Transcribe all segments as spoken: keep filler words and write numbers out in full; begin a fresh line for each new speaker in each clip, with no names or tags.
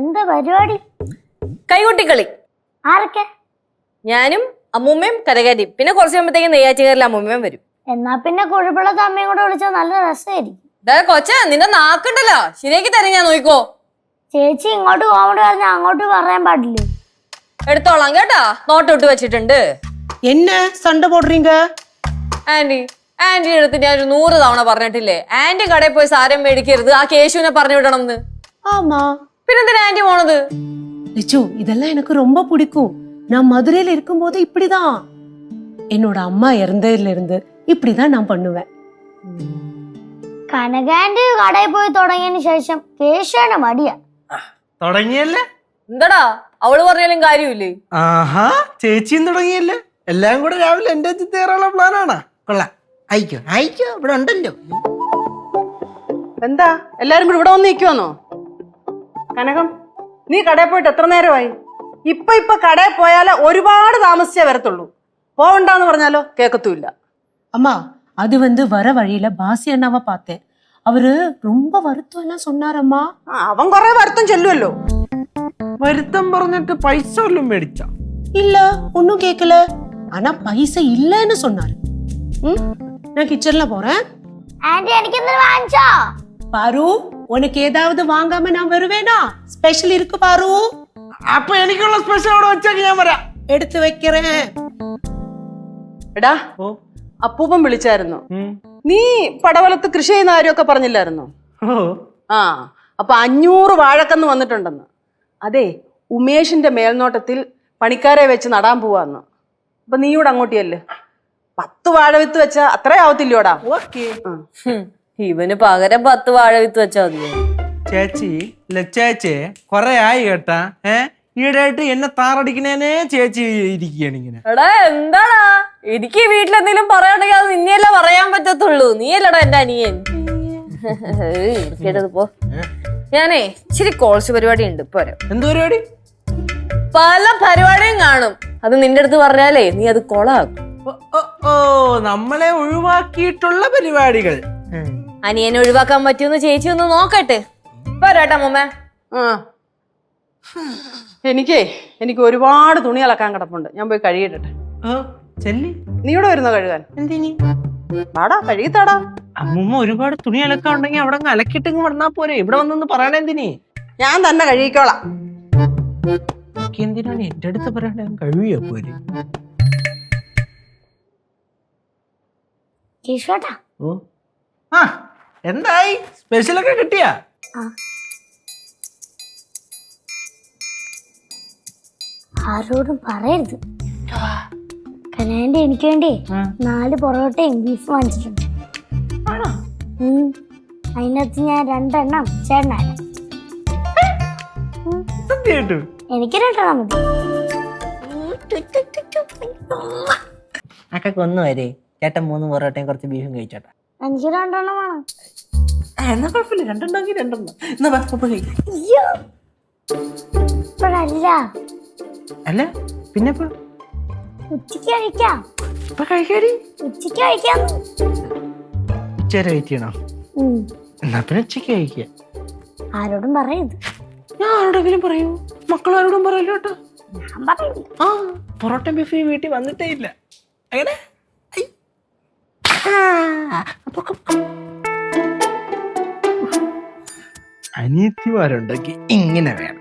എന്താ പരിപാടി?
കൈകൊട്ടിക്കളി.
ആരൊക്കെ?
ഞാനും അമ്മൂമ്മയും കരകാരിയും. പിന്നെ കുറച്ച് കഴിയുമ്പോഴത്തേക്കും നെയ്യാറ്റുകാരിൽ അമ്മൂമ്മയും വരും.
എന്നാ പിന്നെ കുഴപ്പമില്ലാത്ത അമ്മയും കൂടെ വിളിച്ചാൽ നല്ല രസമായിരിക്കും.
കൊച്ച നിന്റെ നാക്കുണ്ടല്ലോ, ശരിയാക്കി തരാം ഞാൻ, നോക്കോ.
ചേച്ചി ഇങ്ങോട്ട് കോമഡി പറഞ്ഞാൽ അങ്ങോട്ട് പറയാൻ പാടില്ലേ?
എടുത്തോളാം കേട്ടാ, നോട്ട് ഇട്ട് വെച്ചിട്ടുണ്ട്.
என்ன சண்டை போடுறீங்க?
ആന്റി ആന്റി അടുത്ത് ഞാൻ ഒരു നൂറ് തവണ പറഞ്ഞിട്ടില്ലേ, ആന്റി കടയിൽ പോയി സാരം മേടിക്കരുത്, ആ കേശുവിനെ പറഞ്ഞു വിടണം എന്ന്.
ஆமா.
പിന്നെന്തിനാ ആന്റി പോണത്?
லிச்சு, இதெல்லாம் எனக்கு ரொம்ப பிடிக்கும். நான் மதுரையில இருக்கும்போது இப்படிதான். என்னோட அம்மா இறந்ததுல இருந்து இப்படிதான் நான் பண்ணுவேன்.
കനകാന്റി കടയിൽ പോയി തുടങ്ങിയതിന് ശേഷം കേശുവിന് മടിയാ.
തുടങ്ങിയല്ലേ?
എന്താടാ അവള് പറഞ്ഞാലും കാര്യമില്ലേ?
ആഹാ, ചേച്ചിയും തുടങ്ങിയല്ലേ? എല്ലാം കൂടെ രാവിലെ എന്റെ കയറാനുള്ള പ്ലാനാണോ? കൊള്ളാം, അയക്കോ അയക്കോ, ഇവിടെ ഉണ്ടല്ലോ.
എന്താ എല്ലാരും കൂടി ഇവിടെ വന്ന് നിൽക്കുവാന്നോ? കനകം, നീ കടയിൽ പോയിട്ട് എത്ര നേരമായി? ഇപ്പൊ ഇപ്പൊ കടയിൽ പോയാലോ ഒരുപാട് താമസിച്ചേ വരത്തുള്ളൂ. പോവണ്ടെന്ന് പറഞ്ഞാലോ കേക്കത്തുമില്ല.
அம்மா, அது வந்து வர வழியில பாசி அண்ணாவை பார்த்தேன். அவரு ரொம்ப வருத்தம் எல்லாம் சொன்னாரம்மா.
അവൻ കൊറേ വരുത്തം ചെല്ലുമല്ലോ.
വരുത്തം പറഞ്ഞിട്ട് പൈസ വല്ലതും മേടിച്ച?
இல்ல, ஒன்னும் கேட்கல. ஆனா பைசா இல்லன்னு சொன்னாரு. ம், நான் கிச்சன்ல போறேன்.
ആന്റി എനിക്ക് എന്തെങ്കിലും വാങ്ങിച്ചോ?
பாரு, உனக்கு ஏதாவது வாங்காம நான் வருவேனா? ஸ்பெஷல் இருக்கு பாரு.
അപ്പൊ എനിക്കുള്ള സ്പെഷ്യൽ അവിടെ വെച്ചേക്ക്, ഞാൻ വരാം.
எடுத்து வைக்கிறேன்.
എടാ, അപ്പൂപ്പൻ വിളിച്ചായിരുന്നു. നീ പടവലത്ത് കൃഷി ചെയ്യുന്ന കാര്യമൊക്കെ പറഞ്ഞില്ലായിരുന്നോ? ആ, അപ്പൊ അഞ്ഞൂറ് വാഴക്കന്ന് വന്നിട്ടുണ്ടെന്ന്. അതെ, ഉമേഷിന്റെ മേൽനോട്ടത്തിൽ പണിക്കാരെ വെച്ച് നടാൻ പോവാന്ന്. അപ്പൊ നീയൂടെ അങ്ങോട്ടിയല്ലേ, പത്ത് വാഴവിത്ത് വെച്ചാ അത്ര ആവത്തില്ലോടാ?
ഓക്കെ.
ഇവന് പകരം പത്ത് വാഴ വിത്ത് വെച്ചാ മതി.
ചേച്ചി ലച്ചേച്ചേ കൊറേ ആയി കേട്ടാ. ഏ ഈടായിട്ട് എന്നെ താറടിക്കണേനെ ചേച്ചി ഇരിക്കുകയാണ് ഇങ്ങനെ.
എടാ എന്താടാ, എനിക്ക് വീട്ടിലെന്തെങ്കിലും പറയാണ്ടെങ്കിൽ അത് നിന്നെയല്ലേ പറയാൻ പറ്റത്തുള്ളൂ. നീയല്ലടാ എന്റെ അനിയൻ. കേട്ടത് പോ. ഞാനേ ഇച്ചിരി കോഴ്സ് പരിപാടി ഉണ്ട്, പോരാ.
എന്ത് പരിപാടി?
പല പരിപാടിയും കാണും. അത് നിന്റെ അടുത്ത് പറഞ്ഞാലേ നീ അത് കൊളാക്കും.
ഓ, നമ്മളെ ഒഴിവാക്കിയിട്ടുള്ള പരിപാടികൾ.
അനിയനെ ഒഴിവാക്കാൻ പറ്റുമെന്ന് ചേച്ചി ഒന്ന് നോക്കട്ടെ. പോരാട്ടാ മുമ്മ.
ആ, എനിക്കേ എനിക്ക് ഒരുപാട് തുണി അലക്കാൻ കിടപ്പുണ്ട്. ഞാൻ പോയി കഴുകിയിട്ടെ.
ചെല്ലി,
നീ ഇവിടെ വരുന്നോ കഴുകാൻ?
എന്തിനി?
വാടാ, കഴുകിത്താടാ.
അമ്മൂമ്മ ഒരുപാട് തുണി അലക്കാൻ ഉണ്ടെങ്കിൽ അവിടെ അലക്കിട്ടെങ്കിൽ വന്നാ പോരെ, ഇവിടെ വന്നൊന്ന് പറയണെന്തിനി?
ഞാൻ തന്നെ കഴുകിക്കോളാം.
എന്തിനാണ് എന്റെ അടുത്ത് പറയണേ? കഴിയോ പോരെ.
കേശുവേട്ടാ,
ഓ, ആ എന്തായി? സ്പെഷ്യലൊക്കെ കിട്ടിയാ?
ആരോടും പറയരുത്. കനാന്റെ എനിക്ക് വേണ്ടി നാല് പൊറോട്ടയും ബീഫ് വാങ്ങിച്ചിട്ടുണ്ട്. അതിനകത്ത് ഞാൻ രണ്ടെണ്ണം ചേട്ടനാണ്. എനിക്ക് രണ്ടെണ്ണം മതി.
അക്കൊക്കെ ഒന്ന് വരെ ചേട്ടൻ മൂന്ന് പൊറോട്ടയും കുറച്ച് ബീഫും കഴിച്ചോട്ടെ.
എനിക്ക് രണ്ടെണ്ണം വേണം.
എന്നാ കുഴപ്പമില്ല, രണ്ടെണ്ണമെങ്കിൽ രണ്ടെണ്ണം. എന്നാ
ഇപ്പോഴല്ല,
അല്ല പിന്നെ
ഉച്ചക്ക് കഴിക്കാം.
ഇപ്പൊ കഴിക്കാടി?
ഉച്ചക്ക് കഴിക്കാം.
ഉച്ചവരെ വെയിറ്റ് ചെയ്യണോ? എന്നാ പിന്നെ ഉച്ചക്ക് കഴിക്കുക.
ആരോടും പറയരുത്.
ഞാൻ ആരോടെങ്കിലും പറയൂ? മക്കളാരോടും പറയല്ലോ കേട്ടോ.
ഞാൻ പറയില്ല.
ആ, പൊറോട്ട ബീഫ് വീട്ടിൽ വന്നിട്ടേ ഇല്ല. അങ്ങനെ അനിയത്തിമാരുണ്ടെങ്കിൽ ഇങ്ങനെ വേണം.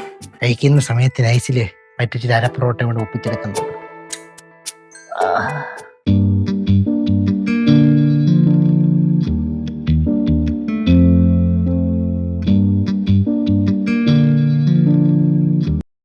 കഴിക്കുന്ന സമയത്ത് നൈസില് പറ്റിച്ചിട്ട് അര പൊറോട്ട കൊണ്ട് ഒപ്പിച്ചെടുക്കുന്നു.